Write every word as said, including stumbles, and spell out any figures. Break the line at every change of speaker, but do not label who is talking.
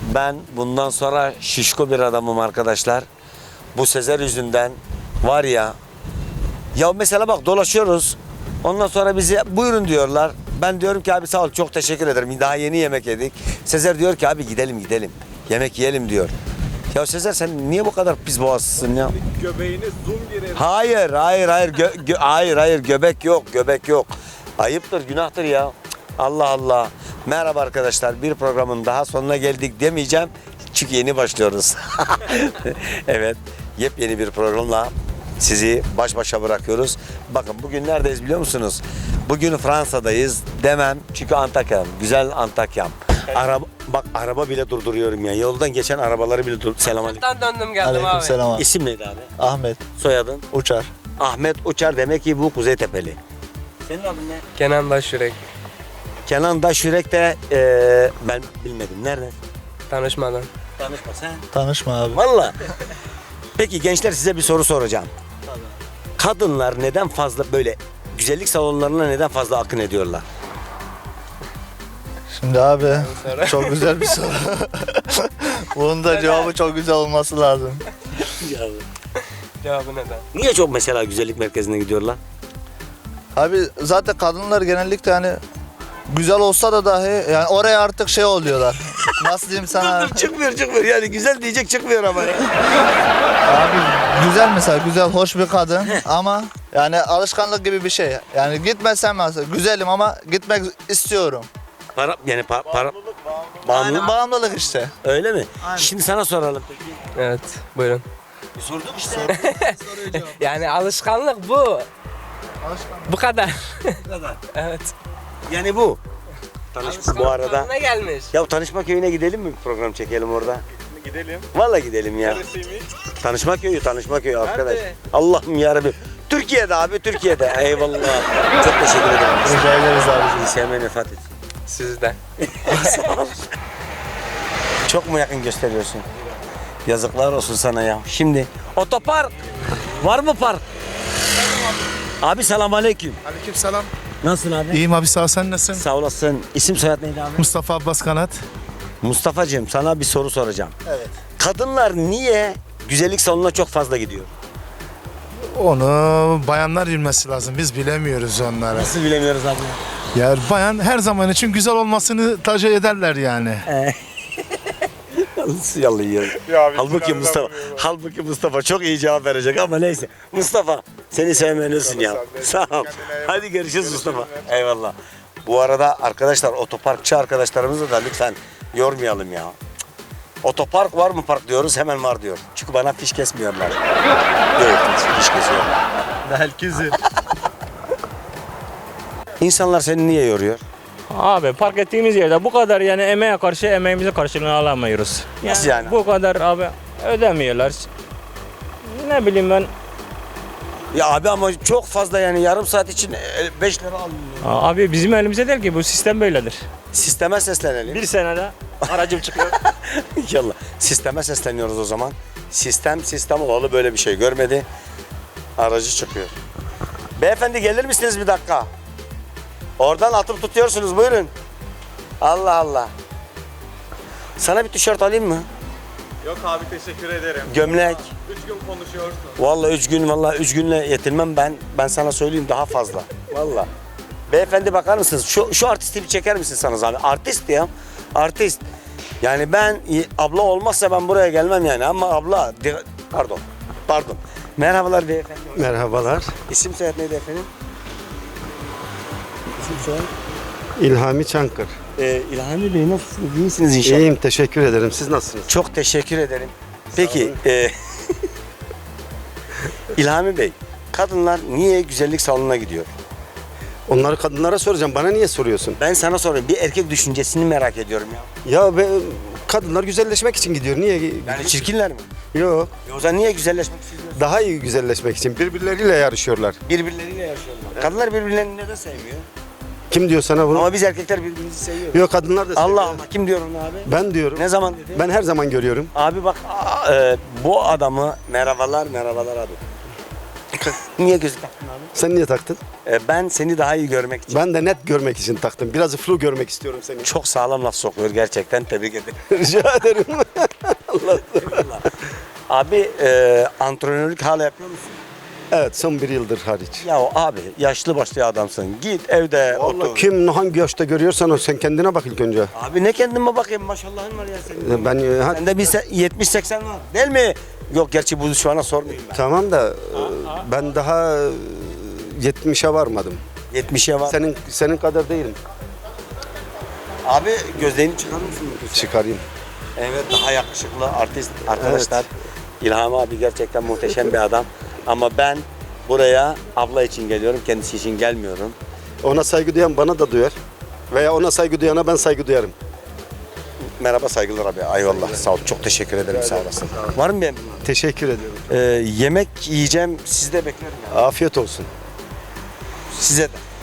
Ben bundan sonra şişko bir adamım arkadaşlar. Bu Sezer yüzünden var ya. Ya mesela bak dolaşıyoruz. Ondan sonra bize buyurun diyorlar. Ben diyorum ki abi sağ ol çok teşekkür ederim. Daha yeni yemek yedik. Sezer diyor ki abi gidelim gidelim. Yemek yiyelim diyor. Ya Sezer sen niye bu kadar pis boğazsın ya?
Göbeğini zoom girer.
Hayır hayır hayır gö- gö- hayır hayır göbek yok göbek yok. Ayıptır günahtır ya. Allah Allah. Merhaba arkadaşlar bir programın daha sonuna geldik demeyeceğim. Çünkü yeni başlıyoruz. Evet yepyeni bir programla sizi baş başa bırakıyoruz. Bakın bugün neredeyiz biliyor musunuz? Bugün Fransa'dayız demem çünkü Antakya'm. Güzel Antakya'm. Araba, bak araba bile durduruyorum ya. Yoldan geçen arabaları bile dur. Selamünaleyküm.
Buradan döndüm geldim abi.
Aleykümselam abi.
İsim neydi abi?
Ahmet
Soyadın?
Uçar.
Ahmet Uçar demek ki bu Kuzeytepe'li. Senin adın ne?
Kenan Başyürek.
Kenan Daşürek de eee, ben bilmedim. Nerede?
Tanışmadan.
Tanışma sen.
Tanışma abi.
Valla. Peki gençler size bir soru soracağım. Kadınlar neden fazla böyle güzellik salonlarına neden fazla akın ediyorlar?
Şimdi abi
Sonra.
çok güzel bir soru. Bunun da cevabı çok güzel olması lazım.
Cevabı neden?
Niye çok mesela güzellik merkezine gidiyorlar?
Abi zaten kadınlar genellikle hani güzel olsa da dahi yani oraya artık şey oluyorlar. Nasıl diyeyim sana?
çıkmıyor çıkmıyor yani güzel diyecek çıkmıyor ama ya.
Abi güzel mesela güzel hoş bir kadın ama yani alışkanlık gibi bir şey. Yani gitmesem mesela güzelim ama gitmek istiyorum.
Para yani pa- para
Yani
bağımlı
bağımlılık işte.
öyle mi?
Aynen.
Şimdi sana soralım.
Evet buyurun.
Sorduk işte.
Yani alışkanlık bu. Bu kadar. Evet.
Yani bu. Tanış bu arada.
Ne gelmiş?
Ya Tanışma Köyü'ne gidelim mi bir program çekelim orada?
Gidelim.
Vallahi gidelim ya.
Neresiymiş?
Tanışma Köyü, Tanışma Köyü arkadaş.
Nerede?
Allah'ım yarabbim. Türkiye'de abi, Türkiye'de. Eyvallah. Çok teşekkür ederim.
Rica ederiz abi.
İyi sevmeyi vefat etsin.
Sizden.
Çok mu yakın gösteriyorsun? Yazıklar olsun sana ya. Şimdi otopark. Var mı park? Abi selamünaleyküm.
Aleykümselam.
Nasılsın abi?
İyiyim abi sağ ol, sen nasılsın?
Sağ olasın. İsim soyad neydi abi?
Mustafa Abbas Kanat.
Mustafa'cığım sana bir soru soracağım.
Evet.
Kadınlar niye güzellik salonuna çok fazla gidiyor?
Onu bayanlar bilmesi lazım. Biz bilemiyoruz onları.
Nasıl bilemiyoruz abi?
Ya bayan her zaman için güzel olmasını tercih ederler yani.
Nasıl yalıyor? Halbuki Mustafa, halbuki Mustafa çok iyi cevap verecek ama neyse. Mustafa seni sevmelisin ya. Sağ ol. Hadi görüşürüz Mustafa. Eyvallah. Bu arada arkadaşlar otoparkçı arkadaşlarımızı da lütfen yormayalım ya. Cık. Otopark var mı park diyoruz hemen var diyor. Çünkü bana fiş kesmiyorlar. Yok fiş kesiyor.
Belki
İnsanlar seni niye yoruyor?
Abi park ettiğimiz yerde bu kadar yani emeğe karşı emeğimize karşılığını alamıyoruz.
Nasıl yani?
Bu kadar abi ödemiyorlar. Ne bileyim ben.
Ya abi ama çok fazla yani yarım saat için beş lira alıyor.
Abi bizim elimize değil ki bu sistem böyledir.
Sisteme seslenelim.
Bir senede aracım çıkıyor.
İnşallah. Sisteme sesleniyoruz o zaman. Sistem sistem olalı böyle bir şey görmedi. Aracı çıkıyor. Beyefendi gelir misiniz bir dakika? Oradan atıp tutuyorsunuz buyurun. Allah Allah. Sana bir tişört alayım mı?
Yok abi teşekkür ederim.
Gömlek.
Üç gün konuşuyorsun.
Vallahi üç gün vallahi üç günle yetinmem ben. Ben sana söyleyeyim daha fazla. Vallahi. Beyefendi bakar mısınız? Şu şu artisti bir çeker misin sana zahmet? Artist ya. Artist. Yani ben abla olmazsa ben buraya gelmem yani ama abla de- pardon. Pardon. Merhabalar beyefendi.
Merhabalar.
İsim soyad neydi efendim? İsim soyad?
İlhami Çankır.
Ee, İlhami Bey nasılsınız? İyisiniz inşallah.
İyiyim, teşekkür ederim. Siz nasılsınız?
Çok teşekkür ederim. Peki, e, İlhami Bey, kadınlar niye güzellik salonuna gidiyor?
Onları kadınlara soracağım. Bana niye soruyorsun?
Ben sana sorayım. Bir erkek düşüncesini merak ediyorum ya.
Ya be, kadınlar güzelleşmek için gidiyor. Niye?
Yani çirkinler mi?
Yok.
E o zaman niye güzelleşmek istiyorlar?
Daha iyi güzelleşmek için birbirleriyle yarışıyorlar.
Birbirleriyle yaşıyorlar. Kadınlar birbirlerini neden sevmiyor?
Kim diyor sana bunu?
Ama biz erkekler birbirimizi seviyoruz.
Yok, kadınlar da seviyor.
Allah Allah. Kim diyor onu abi?
Ben diyorum.
Ne zaman dedi?
Ben her zaman görüyorum.
Abi bak aa, e, bu adamı merhabalar merhabalar abi. Niye gözlük taktın abi?
Sen niye taktın?
Ee, ben seni daha iyi görmek için.
Ben de net görmek için taktım. Biraz flu görmek istiyorum seni.
Çok sağlam laf sokuyor gerçekten. Tebrik ederim.
Rica ederim.
Abi e, antrenörlük hala yapıyor musun?
Evet, son bir yıldır hariç.
Ya abi yaşlı başlı adamsın. Git evde
Vallahi
otur.
kim hangi yaşta görüyorsan o, sen kendine bak ilk önce.
Abi ne kendime bakayım maşallahın var ya senin.
Ben e, ha-
Sende bir se- yetmiş seksen var değil mi? Yok gerçi bu şu ana sormayayım ben.
tamam da e, ben daha e, yetmişe varmadım.
yetmişe var.
Senin senin kadar değilim.
Abi gözlerini çıkarır mısın? lütfen?
Çıkarayım.
Evet daha yakışıklı artist arkadaşlar. İlham abi gerçekten muhteşem bir adam. Ama ben buraya abla için geliyorum. Kendisi için gelmiyorum.
Ona saygı duyan bana da duyar. Veya ona saygı duyana ben saygı duyarım.
Merhaba saygılar abi. Eyvallah. Sağ ol. Çok teşekkür ederim. Sağ olasın. Var mı benim?
Teşekkür ediyorum.
Ee, yemek yiyeceğim. Sizi de beklerim. Yani.
Afiyet olsun.
Size de.